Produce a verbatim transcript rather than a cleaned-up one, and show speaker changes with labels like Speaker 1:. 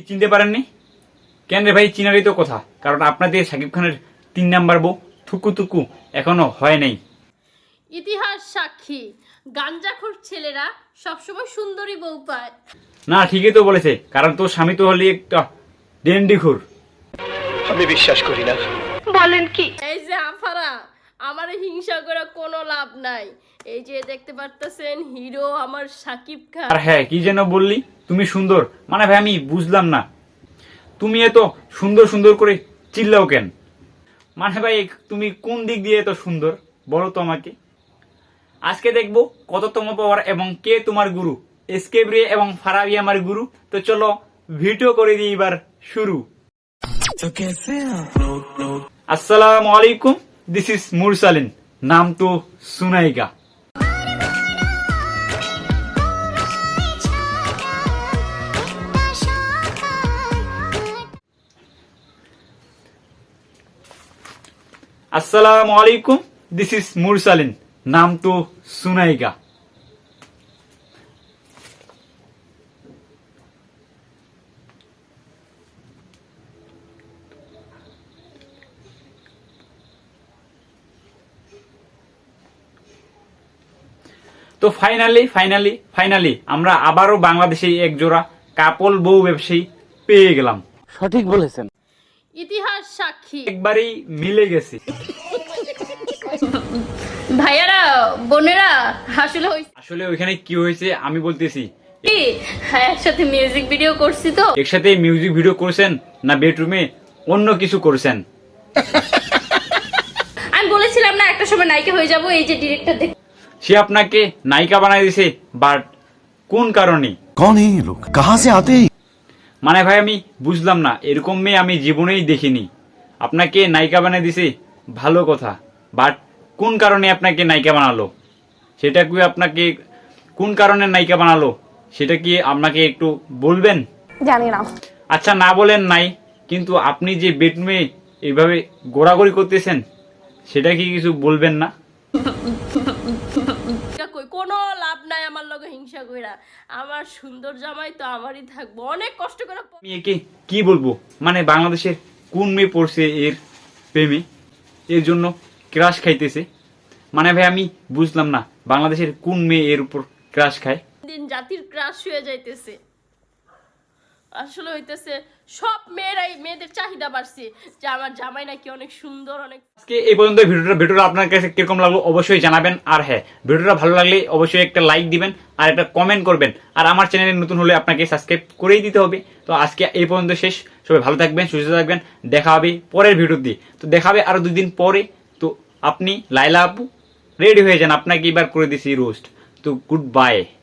Speaker 1: চিনতে পারেননি কেন রে ভাই? চিনারই তো কথা, কারণ আপনাদের শাকিব খানের তিন নাম্বার বউ থুকু থুকু এখনো হয় নাই।
Speaker 2: ইতিহাস সাক্ষী, গাঞ্জাখোর ছেলেরা সবসময় সুন্দরী বউ পায়।
Speaker 1: না, ঠিকই তো বলেছে, কারণ তোর স্বামী তো হলি একটা ডেন্ডিখোর।
Speaker 3: আমি বিশ্বাস করি না।
Speaker 2: বলেন কি? এই যে আফারা, আমার হিংসা করে কোনো লাভ নাই। এই যে দেখতে পারতেছেন হিরো আমার শাকিব খান।
Speaker 1: আর হ্যাঁ, কি যেন বললি তুমি সুন্দর, মানে ভাই আমি বুঝলাম না, তুমি এত সুন্দর সুন্দর করে চিল্লাও কেন? মানে ভাই তুমি কোন দিক দিয়ে এত সুন্দর বলো তো আমাকে। আজকে দেখবো কততম পাওয়ার এবং কে তোমার গুরু। এসকেপ রে এবং ফারাবি আমার গুরু। তো চলো ভিডিও করে দিই এবার শুরু। আসসালামু আলাইকুম, দিস ইজ মুরসালিন, নাম তো সুনাইগা। আসসালামু আলাইকুম, দিস ইজ মুরসালিন, নাম তো সুনাইগা। তো ফাইনালি ফাইনালি ফাইনালি আমরা আবারও বাংলাদেশে এক জোড়া কাপল বউ ব্যবসায়ী পেয়ে গেলাম।
Speaker 4: সঠিক বলেছেন।
Speaker 2: ইতিহাস সাক্ষী,
Speaker 1: একবারেই মিলে গেছে।
Speaker 2: ভাইয়ারা বোনেরা, আসলে
Speaker 1: আসলে ওইখানে কি হয়েছে আমি বলতেছি।
Speaker 2: কি হ্যাঁ, একসাথে মিউজিক ভিডিও করছি তো।
Speaker 1: একসাথে মিউজিক ভিডিও করছেন না বেডরুমে অন্য কিছু করছেন?
Speaker 2: আমি বলেছিলাম না একটা সময় নায়িকা হয়ে যাব। এই যে ডিরেক্টর দেখ,
Speaker 1: সে আপনাকে নায়িকা বানাই দিছে, বাট কোন কারণে?
Speaker 5: कौन है ये लोग, कहां से आते हैं?
Speaker 1: মানে ভাই আমি বুঝলাম না, এরকম মেয়ে আমি জীবনেই দেখিনি। আপনাকে নায়িকা বানাই দিছে ভালো কথা, বাট কোন কারণে আপনাকে নায়িকা বানালো? সেটা কি আপনাকে কোন কারণে নায়িকা বানালো সেটা কি আপনাকে একটু বলবেন?
Speaker 6: জানি না।
Speaker 1: আচ্ছা, না বলেন নাই, কিন্তু আপনি যে বেডরুমে এইভাবে গোড়াগড়ি করতেছেন সেটা কি কিছু বলবেন না?
Speaker 2: কই কোনো লাভ নাই আমার লগে হিংসা কইরা। আমার সুন্দর জামাই তো আমারই থাকবো, অনেক কষ্ট করে।
Speaker 1: আমি একে কি বলবো, মানে বাংলাদেশের কোন মেয়ে পড়ছে এর প্রেমে, এর জন্য ক্রাশ খাইতেছে? মানে ভাই আমি বুঝলাম না, বাংলাদেশের কোন মেয়ে এর উপর ক্রাশ খায়?
Speaker 2: দিন জাতির ক্রাশ হয়ে যাইতেছে। আসলে হইতেছে সব মেয়েরাই, মেয়েদের চাহিদা বাড়ছে যে আমার জামাই নাকি অনেক সুন্দর, অনেক।
Speaker 1: আজকে এই পর্যন্ত ভিডিওটা ভিডিওটা আপনার কাছে কিরকম লাগলো অবশ্যই জানাবেন। আর হ্যাঁ, ভিডিওটা ভালো লাগলে অবশ্যই একটা লাইক দিবেন আর একটা কমেন্ট করবেন। আর আমার চ্যানেলে নতুন হলে আপনাকে সাবস্ক্রাইব করেই দিতে হবে। তো আজকে এই পর্যন্ত শেষ। সবাই ভালো থাকবেন, সুস্থ থাকবেন। দেখা হবে পরের ভিডিওতে। তো দেখা হবে আরো দুই দিন পরে। তো আপনি লাইলা আপু রেডি হয়ে যান, আপনাকে এবার করে দিছি রোস্ট। তো গুড বাই।